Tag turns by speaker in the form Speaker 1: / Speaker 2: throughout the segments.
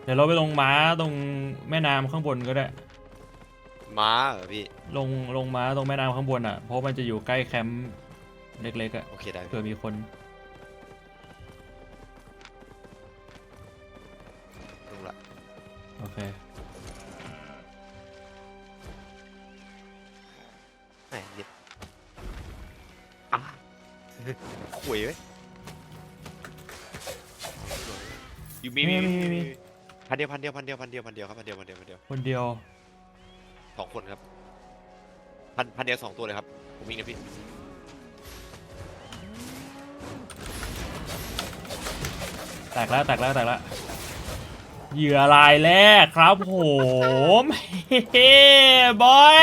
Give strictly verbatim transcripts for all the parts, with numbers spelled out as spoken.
Speaker 1: เดี๋ยวเราไปลงม้าตรงแม่น้ำข้างบนก็ได้
Speaker 2: ม้าเหรอพี่
Speaker 1: ลงลงม้าตรงแม่น้ำข้างบนอ่ะเพราะมันจะอยู่ใกล้แคมป์เล็กๆอ่ะ
Speaker 2: โอเคได้
Speaker 1: เผื่อมีคน
Speaker 2: ลงละ
Speaker 1: โอเค
Speaker 2: แหมเย็บอ่ะขุยไหมอยู่มีมีมีมีพันเดียวพันเดียวพันเดียวพันเดียวพันเดียวครับพันเดียวพันเดียวพันเดียว
Speaker 1: คนเดียว
Speaker 2: สองคนครับพันพันเดียวสองตัวเลยครับผมมีนะพี่
Speaker 1: แตกแล้วแตกแล้วแตกแล้วเหยื่อรายแรกครับผมเฮ้บอย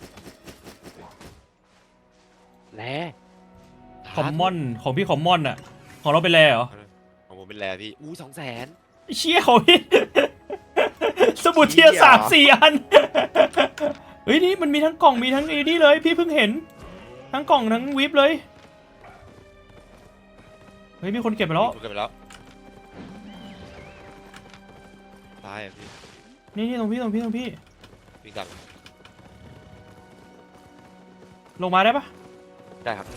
Speaker 2: แร่
Speaker 1: คอมมอนของพี่คอมมอนอ่ะของเราเป็นแร่เหรอ
Speaker 2: ของผมเป็นแร่พี่อู้สองแสน
Speaker 1: เชี่ยของพี่สมุดเทียร์สามสี่อันเฮ้ยนี่มันมีทั้งกล่องมีทั้งไอ้นี่เลยพี่เพิ่งเห็นทั้งกล่องทั้งวิปเลยเฮ้ยมีคนเก็บไปแล้ว
Speaker 2: เก็บไปแล้วตายอ่ะพี่
Speaker 1: นี่นี่ตรงพี่ตรงพี่ตรงพี่
Speaker 2: วิ่งตาม
Speaker 1: ลงมาได้ปะ
Speaker 2: ได้ครับ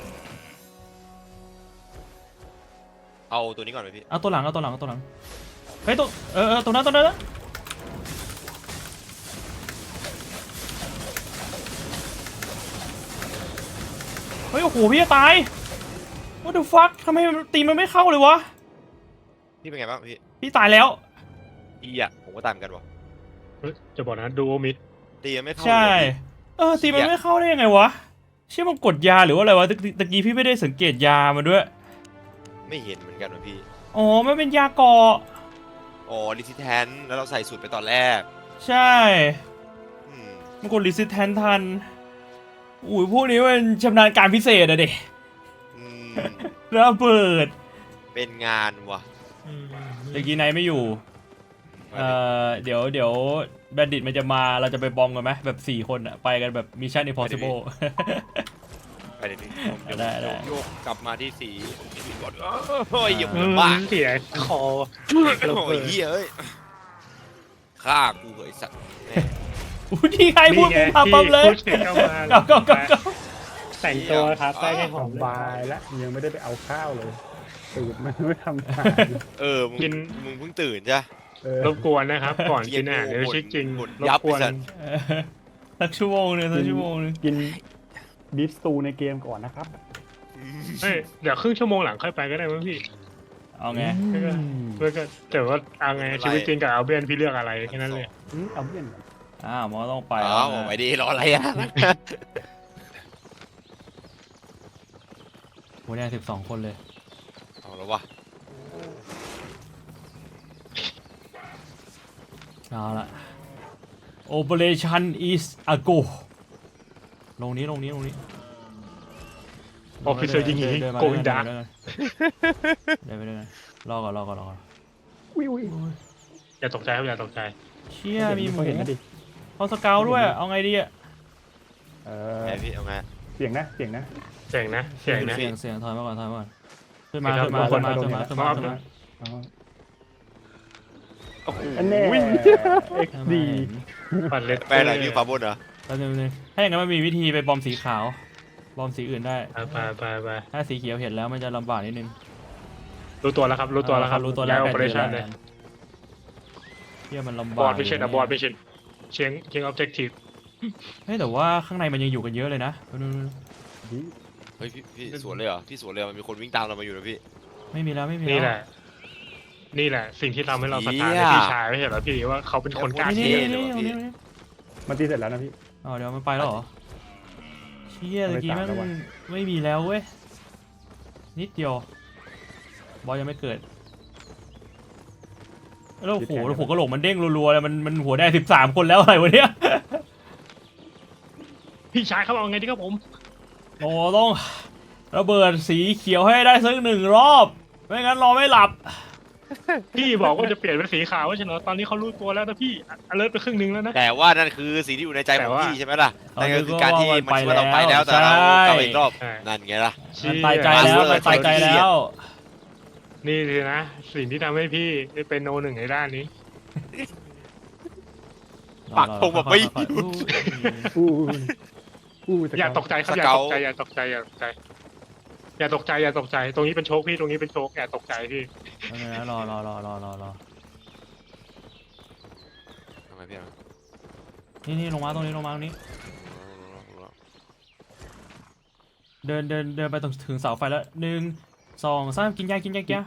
Speaker 2: เอาตัวนี้ก่อนไหมพี่
Speaker 1: เอาตัวหลังเอาตัวหลังเอาตัวหลังเฮ้ยตัวเออเออตัวนั้นตัวนั้นเฮ้ยโอ้โหพี่จะตาย What the fuck ทำไมตีมันไม่เข้าเลยวะ
Speaker 2: พี่เป็นไงบ้างพี่
Speaker 1: พี่ตายแล้ว
Speaker 2: อีอ่ะผมก็ตามกันวะ
Speaker 3: จะบอกนะดูโอมิด
Speaker 2: ตีมันไม่เข้า
Speaker 1: ใช่เออตีมันไม่เข้าได้ยังไงวะเชื่อมันกดยาหรือว่าอะไรวะตะกี้พี่ไม่ได้สังเกตยามันด้วย
Speaker 2: ไม่เห็นเหมือนกันวะพี่
Speaker 1: อ๋อมันเป็นยาเกาะ
Speaker 2: อ๋อรีซิแทนแล้วเราใส่สูตรไปตอนแรก
Speaker 1: ใช่มันกดรีซิแทนทันอุ้ยพวกนี้มันชำนาญการพิเศษอะเด็กระเบิด
Speaker 2: เป็นงานวะ
Speaker 1: ตะกี้ไนไม่อยู่เอ่อเดี๋ยวเดี๋ยวแบนดิตมันจะมาเราจะไปบอมกันไหมแบบสี่คนอะไปกันแบบมิชชั่นอิมพอสซิเบิล
Speaker 2: ไปเดี๋ยวนี้
Speaker 1: ได้ได้
Speaker 2: โยกกลับมาที่สีก่อนโอ้ยหยุดบ้า
Speaker 3: เสียคอ
Speaker 2: โอ้ยเฮ้ยเอ้ยฆ่ากูเหยสัตว์
Speaker 1: อุ้ยที่ใครพูดกูพาปั๊มเลยก็ก็ก็ก็
Speaker 3: แต่งตัวครับได้แค่หอม
Speaker 4: บายแล้วยังไม่ได้ไปเอาข้าวเลยตื่นมันไม่ทำงาน
Speaker 2: เออมึงมึงเพิ่งตื่นใช่
Speaker 3: รบกวนนะครับก่อนกินอาหารเดี๋ยวชิคจริงรบกวน
Speaker 1: สักชั่วโมงนึงสักชั่วโมงนึง
Speaker 4: กินบีฟสตูในเกมก่อนนะครับ
Speaker 3: เฮ้ยเดี๋ยวครึ่งชั่วโมงหลังค่อยไปก็ได้มั้งพี่
Speaker 1: เอาไง
Speaker 3: เพื่อก็แต่ว่าเอาไงชีวิตจริงกับเอาเบียนพี่เลือกอะไรแค่นั้นเลย
Speaker 4: เอาเบียน
Speaker 1: อ้าวมอต้องไป
Speaker 2: อ้าวไปดีรออะไรอ่ะ
Speaker 1: โหเนี่ยสิบสองคนเลย
Speaker 2: เอาแล้ววะ
Speaker 1: เอาละ Operation is a go ลงนี้ลงนี้ลงนี้
Speaker 3: ออฟฟิเซอร์ยิงยิงโกงดัก
Speaker 1: เดี๋ยวไปด้วยกันรอก่อนรอก่อนรอก่อน
Speaker 4: วิว
Speaker 3: อย่าตกใจครับอย่าตกใจ
Speaker 1: เชี่ยมีหมูเขาสเกลด้วยเอาไงดีอ่ะ
Speaker 4: เออ
Speaker 2: พี่เอาไง
Speaker 4: เสียงนะเสียงนะ
Speaker 3: เสียงนะเสียงนะ
Speaker 1: เสียงเสียงถอยมาก่อนถอยมาก่อนขึ้นมาขึ้นมาขึ้นมาขึ้นมาขึ้นมาขึ้นมา
Speaker 4: อันนี้เอ็กซ์ดี
Speaker 3: ปัดเล็ด
Speaker 2: ไปไหนพี่ฟ้าบนเหรอ
Speaker 1: แล้วนึงถ้าอย่างนั้นมันมีวิธีไปบอมสีขาวบอมสีอื่นได้
Speaker 3: ไปไปไป
Speaker 1: ถ้าสีเขียวเห็นแล้วมันจะลำบากนิดนึง
Speaker 3: รู้ตัวแล้วครับรู้ตัวแล้วครับ
Speaker 1: รู้ตัวแล้ว
Speaker 3: โอเปอเรชั่นเลย
Speaker 1: เที่ยมันลำบาก
Speaker 3: บอร์ดไม่ใช่นะบอร์ดไม่ใช่เชียงเชียงออบเจกตีฟ
Speaker 1: เฮ้ยแต่ว่าข้างในมันยังอยู่กันเยอะเลยนะ
Speaker 2: เฮ้ยพี่พี่สวนเลยเหรอพี่สวนเลยมันมีคนวิ่งตามเรามาอยู่นะพี่
Speaker 1: ไม่มีแล้วไม่มี
Speaker 3: นี่แหละนี่แหละสิ่งที่ทำให้เราศรัทธาในพี่ชายไม่เห็นหรอพี่ว่าเขาเป็นคนกล้าเชี่ย
Speaker 4: มันตีเสร็จแล้วนะพี่
Speaker 1: อ๋อเดี๋ยวมันไปแล้วเหรอเชี่ยตะกี้มันไม่มีแล้วเว้ยนิดเดียวบอลยังไม่เกิดแล้วโอ้โหแล้วหัวกระโหลกมันเด้งรัวๆเลยมันมันหัวได้สิบสามคนแล้วอะไรวะเนี่ย
Speaker 3: พี่ชายเขาบอกไงดีครับผม
Speaker 1: โอ้ต้องระเบิดสีเขียวให้ได้สักหนึ่งรอบไม่งั้นรอไม่หลับ
Speaker 3: พี่บอกว่าจะเปลี่ยนเป็นสีขาวใช่ไหมตอนนี้เขารู้ตัวแล้วนะพี่อเลิร์ตไปครึ่งนึงแล้วนะ
Speaker 2: แต่ว่านั่นคือสิ่งที่อยู่ในใจของพี่ใช่ไหมล่ะนั่นก็คือการที่มันคิดว่าเราไปแล้วแต่เรากลับอีกรอบนั่นไงล่ะ
Speaker 1: มันตายใจแล้วมันตายใจแล้ว
Speaker 3: นี่สินะสิ่งที่ทำให้พี่เป็นโนหนึ่งในด้านนี้
Speaker 2: ปากธงแบบไม่
Speaker 1: ค่อยๆ
Speaker 2: หยุด
Speaker 4: อู้อู้แต่
Speaker 3: อย่าตกใจครับอย่าตกใจอย่าตกใจอย่าตกใจอย่าตกใจอย่าตกใจตรงนี้เป็นโชคพี่ตรงนี้เป็นโชคอย่าตกใจพี่
Speaker 1: เอาไงนะรอรอรอรอรอรอ
Speaker 2: ทำไมพี่อ่ะ
Speaker 1: นี่นี่ลงมาตรงนี้ลงมาตรงนี้ เดินเดินเดินไปตรงถึงเสาไฟแล้วหนึ่งสองสามกินยากินยากินยา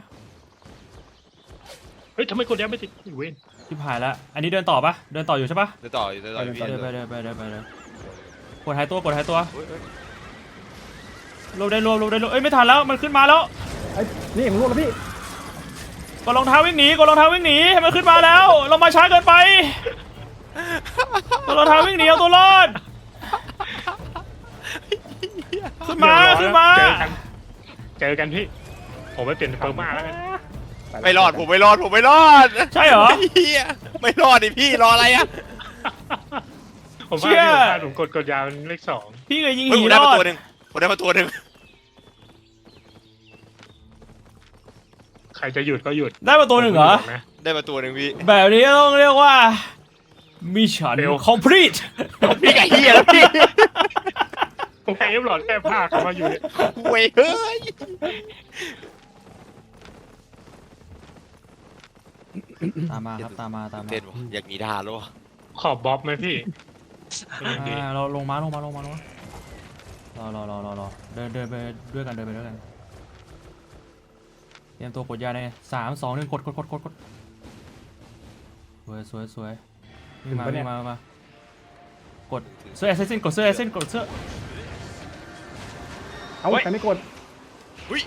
Speaker 3: เฮ้ยทำไมกดยังไม่ติดเว้น
Speaker 1: ที่ผ่านแล้วอันนี้เดินต่อปะเดินต่ออยู่ใช่ปะ
Speaker 2: เดินต่อเดินต่อพี่
Speaker 1: เดินไปเดินไปเดินไปเดินกดหายตัวกดหายตัว
Speaker 2: เฮ้ยเฮ้ย
Speaker 1: รวบได้รวบรวบได้รวบเอ้ยไม่ทันแล้วมันขึ้นมาแล้ว
Speaker 4: ไอ้นี่ผมรู้แล้วพี่
Speaker 1: กดรองเท้าวิ่งหนีกดรองเท้าวิ่งหนีให้มันขึ้นมาแล้วเรามาช้าเกินไปกดรองเท้าวิ่งหนีเอาตัวรอดขึ้นมาขึ้นมา
Speaker 3: เจอกันเจอกันพี่ผมไปเปลี่ยนเฟอร์มาแล้วกัน
Speaker 2: ไม่รอดผมไม่รอดผมไม่รอด
Speaker 1: ใช่เหรอ
Speaker 2: เฮียไม่รอดดิพี่รออะไรอ่ะ
Speaker 3: ผม
Speaker 1: เชี่
Speaker 3: ว่าย พี่ผมพลาดผมกดกดยาวเป็นเลขสอง
Speaker 1: พี่เคยยิง
Speaker 2: เฮ้ย
Speaker 1: หี
Speaker 2: ผม
Speaker 1: ร
Speaker 2: ได้
Speaker 1: อ
Speaker 2: มา
Speaker 1: ด
Speaker 2: ตัวหนึ่งผมได้มาตัวหนึ่ง
Speaker 3: ใครจะหยุดก็หยุด
Speaker 1: ได้มาตัวหนึ่งเหรอ
Speaker 3: นะ
Speaker 2: ได้มาตัวหนึ่งพี่
Speaker 1: แบบนี้ต้องเรียกว่ามิชชั่น
Speaker 3: เร็ว
Speaker 1: complete
Speaker 2: พี่ไก่เฮียแล้วพี่
Speaker 3: ผมแค่เอฟหลอดแก้ผ้าเขามาอยู่เนี่ย
Speaker 2: เว้ยเฮ้ย
Speaker 1: ตามมาครับตามมาตามมา
Speaker 2: เต้นวะอยากหนีทหารแล้ววะ
Speaker 3: ขอบบ๊อบไหมพี่ยังดี
Speaker 1: อ่าเราลงมาลงมาลงมาลงมารอรอรอรอรอเดินเดินไปด้วยกันเดินไปด้วยกันเตรียมตัวกดยาในสามสองหนึ่งกดกดกดกดกดสวยสวยสวยวิ่งมาวิ่งมามากดเสื้อแอสซินกดเสื้อแอสซินกดเสื้อ
Speaker 4: เอาแต่ไม่กด
Speaker 2: อุ้ย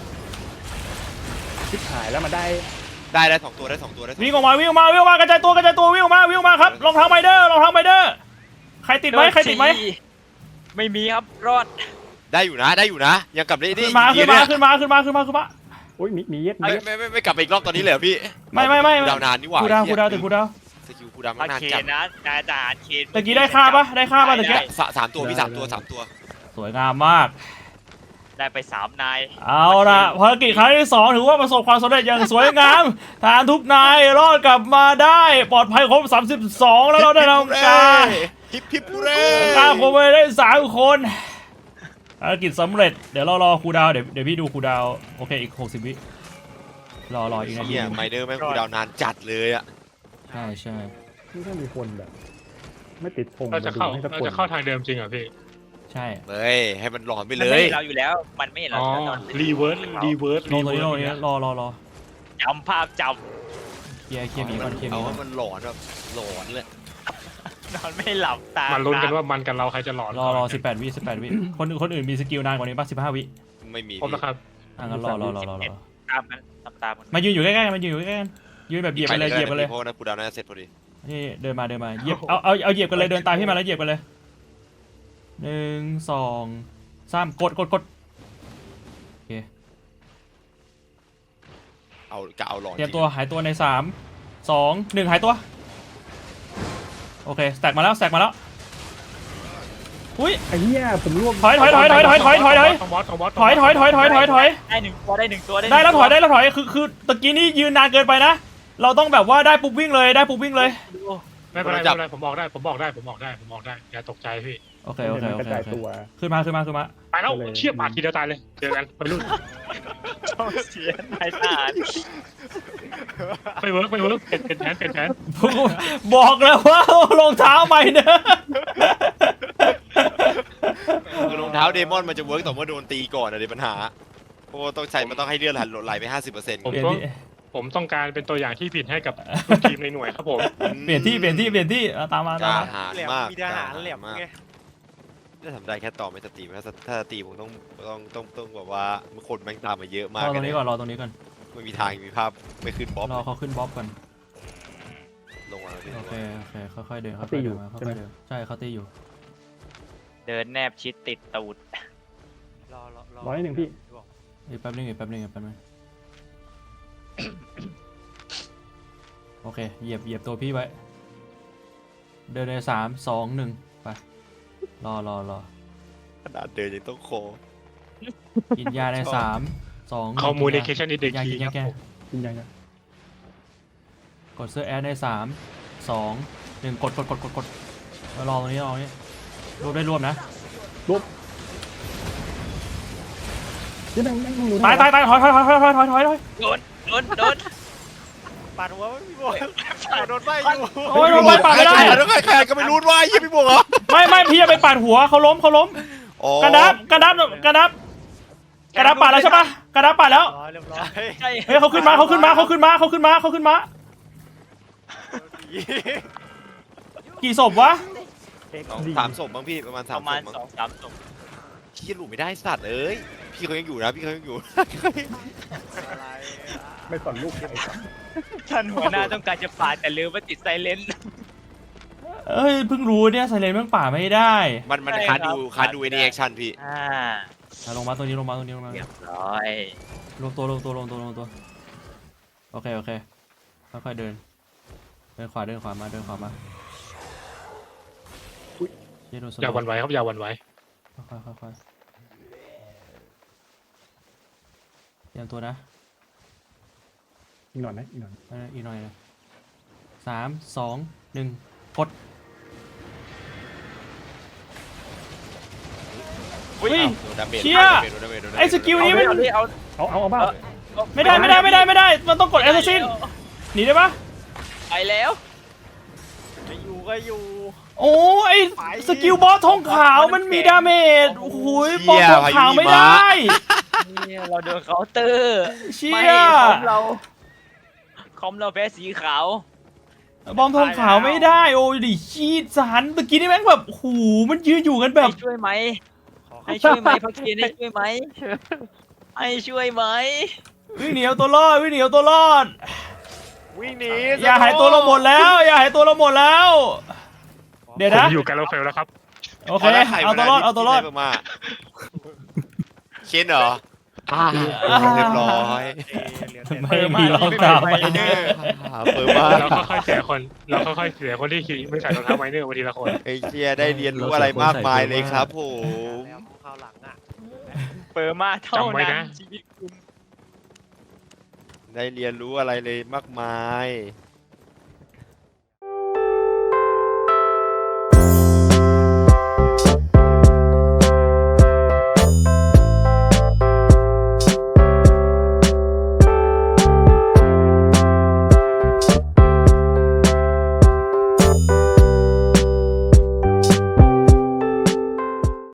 Speaker 4: ชิบหายแล้วมาได้
Speaker 2: ได้ได้สองตัวได้สองตัวได้สอง
Speaker 1: วิ่งออกมาวิ่งออกมาวิ่งออกมากระจายตัวกระจายตัววิ่งออกมาวิ่งออกมาครับรองเท้าไมเดอร์รองเท้าไมเดอร์ใครติดไหมใครติดไหม
Speaker 5: ไม่มีครับรอด
Speaker 2: ได้อยู่นะได้อยู่นะยังกลับได้ดิ
Speaker 1: ขึ้นมาขึ้นมาขึ้นมาขึ้นมาขึ้นมาขึ้นมา
Speaker 4: โอ้ยมีมีเย็ดมี
Speaker 2: ไม่
Speaker 4: เย็ด
Speaker 2: ไม่ไม่ไม่กลับไปอีกรอบตอนนี้เลยเหรอพี่
Speaker 1: ไม่ไม่ไม่
Speaker 2: คูดาวนานนี่หว่า
Speaker 1: คูดาวคูดาวติดคูดาว
Speaker 2: สกิลคูดาว
Speaker 5: อา
Speaker 2: นาน
Speaker 5: เคน
Speaker 2: จัด
Speaker 5: นะนายทหารเคน
Speaker 1: ตะกี้ได้ค่าปะได้ค่าปะตะกี้
Speaker 2: สะสามตัวพี่สามตัวสามตัว
Speaker 1: สวยงามมาก
Speaker 5: ได้ไปสามนาย
Speaker 1: เอาละภารกิจครั้งที่สองถือว่าประสบความสำเร็จอย่างสวยงามทหารทุกนายรอดกลับมาได้ปลอดภัยครบสามสิบสองแล้วเราได้ทำการ
Speaker 2: ฮิปฮิปปูเร่
Speaker 1: ฆ่าคนไปได้สามคนภารกิจสำเร็จเดี๋ยวเรารอครูดาวเดี๋ยวเดี๋ยวพี่ดูครูดาวโอเคอีกหกสิบวิรอรออีกนาที
Speaker 2: เนี่ยไมเดอร์แม่งคูดาวนานจัดเลยอ่ะ
Speaker 1: ใช่ใช่
Speaker 4: นี่ถ้ามีคนแบบ ไม่ติดธง
Speaker 3: เราจะเข้า
Speaker 4: ให้สัก
Speaker 3: เรา
Speaker 4: คน
Speaker 3: จะเข้าทางเดิมจริงเหรอพี่
Speaker 1: ใช่
Speaker 2: เฮ้ยให้มันหลอนไป
Speaker 5: มัน
Speaker 2: เล
Speaker 5: ไม่
Speaker 2: ย
Speaker 5: เห็นเราอยู่แล้ว มันไม่เห็นเรา
Speaker 3: อ๋อ
Speaker 5: อยู่แล้ว
Speaker 3: รีเวิร์สรีเวิร์ส
Speaker 1: ลงตรงนี้ลงตรงนี้รอรอรอ
Speaker 5: จำภาพจ
Speaker 1: เคลียร์เคลียร์หมีก่อนเคลียร์ห
Speaker 2: เอา
Speaker 1: มีก่อ
Speaker 2: ให้
Speaker 1: น
Speaker 2: มันหลอนแบบหลอนเลย
Speaker 5: ำนอนไม่หลับตา
Speaker 3: มาลุ้นกันว่ามันกับเราใครจะหลอน
Speaker 1: รอรอสิบแปดวิสิบแปดวิคนคนอื่นมีสกิลนานกว่านี้ป่ะสิบห้าวิ
Speaker 2: ไม่มี
Speaker 3: ครบแล้วครับ
Speaker 1: อ่ะงั้นรอรอรอรอรอ
Speaker 5: ตามกันตามตามกัน
Speaker 1: มายืนอยู่ใกล้ๆกันมายืนอยู่ใกล้ๆกันยืนแบบเหยียบไปเลยเหยียบไปเลย
Speaker 2: เพราะว่าคูดาวน่าจะเสร็จพอดี
Speaker 1: นี่เดินมาเดินมาเหยียบเอาเอาเอาเหยียบกันเลยเดินตามพี่มาแล้วเหยียบกันเลยหนึ่งสองสามกดกดกดโอเค
Speaker 2: เอากะเอาหลอน
Speaker 1: เตรียมตัวหายตัวในสามสองหนึ่งหายตัวโอเคสแต็กมาแล้วสแต็กมาแล้วอุ้ย
Speaker 4: ไอ้เหี้ยผมร่วง
Speaker 1: ถอยถอยถอยถอยถอยถอยถอยถอย
Speaker 3: ของบอสของบอส
Speaker 1: ถอยถอยถอยถอยถอยถอย
Speaker 5: ได้หนึ่งตัวได้หนึ่งตัว
Speaker 1: ได้แล้วถอยได้แล้วถอยคือคือตะกี้นี่ยืนนานเกินไปนะ เราต้องแบบว่าได้ปุ๊บวิ่งเลยได้ปุ๊บวิ่งเลย
Speaker 3: ไม่เป็นไรไม่เป็นไรผมบอกได้ผมบอกได้ผมบอกได้ผมบอกได้อย่าตกใจพี่
Speaker 1: โอเคโอเค
Speaker 4: มัน
Speaker 1: โอก
Speaker 4: ระ
Speaker 1: เค
Speaker 4: จาย
Speaker 1: โอเค
Speaker 4: ตัว
Speaker 1: ขึ้นมาขึ้นมาขึ้นมา
Speaker 3: ไปแล้ว
Speaker 4: เลย
Speaker 3: เชี่ยปาดทีเดียวตายเลยเจอกันไปรุ่น
Speaker 5: ต้องเสียนายทหาร
Speaker 3: ไปเวิร์กไปเวิร์กเปลี่ยนเปลี่ยนแผนเปลี่ยนแผน
Speaker 1: บอกแล้วว่ารองเท้าใหม่เนอะ
Speaker 2: คือรองเท้าเดมอนมันจะเวิร์กต่อเมื่อโดนตีก่อนอะเดี๋ยวปัญหาเพราะว่าต้องใช้มันต้องให้เลือดไหลไปห้าสิบเปอร์เซ็นต์
Speaker 3: ผม
Speaker 1: เปลี่ยน
Speaker 3: ต้อง
Speaker 1: ที่
Speaker 3: ผมต้องการเป็นตัวอย่างที่ผิดให้กับทุกทีมในหน่วยครับผม
Speaker 1: เปลี่ยนที่เปลี่ยนที่เปลี่ยนที่เอาตามมาตาม
Speaker 2: กล้า
Speaker 1: มา
Speaker 2: หาญ
Speaker 6: แหลม
Speaker 2: มาก
Speaker 6: มีทหารแหลม
Speaker 2: กล้า
Speaker 6: ไง
Speaker 2: ถ้าทำได้แค่ต่อไม่สตรีมถ้าถ้าสตรีมผมต้องต้องต้องต้องแบบว่าคนแม่งตามมาเยอะมาก
Speaker 1: รอตรงนี้ก่อนรอตรงนี้ก่อน
Speaker 2: ไม่มีทางมีภาพไม่ขึ้นบ๊อบ
Speaker 1: รอเขาขึ้นบ๊อบก่อน
Speaker 2: ลงมาแล้วพี่
Speaker 1: โอเคโอเคค่อยๆเดินค่อยๆเดินมาค่อยๆเดินใช่เขาตีอยู่
Speaker 5: เดินแนบชิดติดตูด
Speaker 6: รอรอรอ
Speaker 4: ร้อยหนึ่งพี่
Speaker 1: อีกแป๊บนึงอีกแป๊บนึงอีกแป๊บนึงโอเคเหยียบเหยียบตัวพี่ไว้เดินในสามสองหนึ่งไปรอรอรอ
Speaker 2: ขนาดเดินยังต้องโค
Speaker 1: กินยาในสามสอง
Speaker 3: คอมมูนิเคชันอินเด็ก
Speaker 1: ยา
Speaker 3: ที
Speaker 1: กิน
Speaker 3: ค
Speaker 1: ยา
Speaker 3: รับ
Speaker 1: แก้
Speaker 3: ผม
Speaker 4: จริงจังนะ
Speaker 1: กกดเสื้อแอดในสามสองหนึ่งกดกดกดกดกดมารอตรงนี้รอตรงนี้รวบได้รวบนะ
Speaker 4: ที่นั่งนั่งอยู่
Speaker 1: ตายตายตายถอยถอยถอยถอยถอยถอยถอยถอย
Speaker 5: โดนโดนโดน
Speaker 6: ปาดหัวไม่พี่บวกโดนใบอยู่
Speaker 1: โอ้ยโดนใบปาดไม่ได้
Speaker 2: แล้วใครใครก็ไม่รู้ว่ายี่พี่บวกเหรอ
Speaker 1: ไม่ไม่พี่จะไปปาดหัวเขาล้มเขาล้ม
Speaker 2: อ๋อก
Speaker 1: ระดับกระดับกระดับกระดับปาดแล้วใช่ปะกระดับปาดแล้ว
Speaker 6: ร้อยเรียบร้อย
Speaker 5: ใช่
Speaker 1: เฮ้ยเขาขึ้นมาเขาขึ้นมาเขาขึ้นมาเขาขึ้นมาเขาขึ้นมากี่ศพวะ
Speaker 2: สองสามศพบ้างพี่ประมาณ
Speaker 5: ป
Speaker 2: สาม
Speaker 5: ระ
Speaker 2: ศ
Speaker 5: มาณ
Speaker 2: พบ้าง
Speaker 5: สองสามศพ
Speaker 2: พี่หลุดไม่ได้สัตว์เอ้ยพี่เขายังอยู่นะพี่เขายังอยู่
Speaker 6: อะไร
Speaker 4: ไม่สนลูกใครครับ
Speaker 5: ท่านหัวหน้าต้องการจะปาดแต่ลืมว่าติดไซเลนต์
Speaker 1: เอ้ยเพิ่งรู้เนี่ยไซเลนแม่งป่าไม่ได้
Speaker 2: มันมัน
Speaker 5: ใช่
Speaker 2: คา
Speaker 5: ครับ
Speaker 2: ดูคาดูเอเนแอคชั่นพี่
Speaker 5: อ่า
Speaker 1: อ่ะลงมาตัวนี้ลงมาตัวนี้ลงมา
Speaker 5: เรียบร้อย
Speaker 1: ลงตัวลงตัวลงตัวลงตัวโอเคโอเคค่อยๆเดินเดินขวาเดินขวามาเดินขวามาเดี๋ยวโดนส
Speaker 3: อย่าหวั่นไหวครับอย่าหวั่นไหว
Speaker 1: ค่อยๆค่อยๆเตรียมตัวนะ
Speaker 4: อีกหน่อยนะอีกหน่อย
Speaker 1: เอาละอีกหน่อยนะสามสองหนึ่งกด
Speaker 5: อุ้ย
Speaker 2: โดนดาเมจ
Speaker 1: เชี่ย
Speaker 2: โดนดาเมจโดนดาเมจ
Speaker 1: ไอ้สกิลนี้มัน
Speaker 5: เอาดิเอา
Speaker 4: เอาเอาเอาบ้า
Speaker 1: ไม่ได้ไม่ได้ไม่ได้ไม่ได้มันต้องกดแอสซัสซินหนีได้ปะ
Speaker 5: ไปแล้ว
Speaker 6: ไม่อยู่ก็อยู่
Speaker 1: โอ้ไอสกิลบอสทองขาวมันมีดาเมจโอ้โหบอสทองขาวไม่ได้
Speaker 5: เนี่ยเราโดนเคาน์เตอร์
Speaker 1: เชี่
Speaker 5: ไม่
Speaker 1: ย
Speaker 5: คอมเราคอมเราแพ้สีขาว
Speaker 1: บอมทองขาวไม่ได้โอ้ยดิชีดสันเมื่อกี้นี่แม่งแบบโอ้โหมันยืนอยู่กันแบบ
Speaker 5: ให้ช่วยไหม
Speaker 6: ขอ
Speaker 5: ให้ช่วยไหมพักเทียนให้ช่วยไหมให้ช่วยไหม
Speaker 1: วิ่งหนีเอาตัวรอดวิ่งหนีเอาตัวรอด
Speaker 6: วิ่งหนี
Speaker 1: อย่าหายตัวเราหมดแล้ว อย่าหายตัวเราหมดแล้ว เดี๋ยว
Speaker 3: ผม
Speaker 1: นะ
Speaker 3: อยู่กันเราเฟลแล้วครับ
Speaker 1: โอเคเอาตัวรอดเอาตัวรอด
Speaker 2: มาเคนเหรออ่าเรียบร้อย
Speaker 1: ไม่มีรองเท้าไมเนอร์
Speaker 2: เปิดมา
Speaker 3: เราค่อยๆเสียคนเราค่อยๆเสียคนที่ขี่ไม่ใส่รองเท้าไมเนอร์มาทีละคน
Speaker 2: ไอ้เชียได้เรียนรู้อะไรมากมายเลยครับผม
Speaker 6: แล้วคราวหลังอ่ะ
Speaker 5: เปิดมาเท่า
Speaker 3: จำไว้
Speaker 5: นั้
Speaker 3: นะ
Speaker 5: นชีวิตคุณ
Speaker 2: ได้เรียนรู้อะไรเลยมากมาย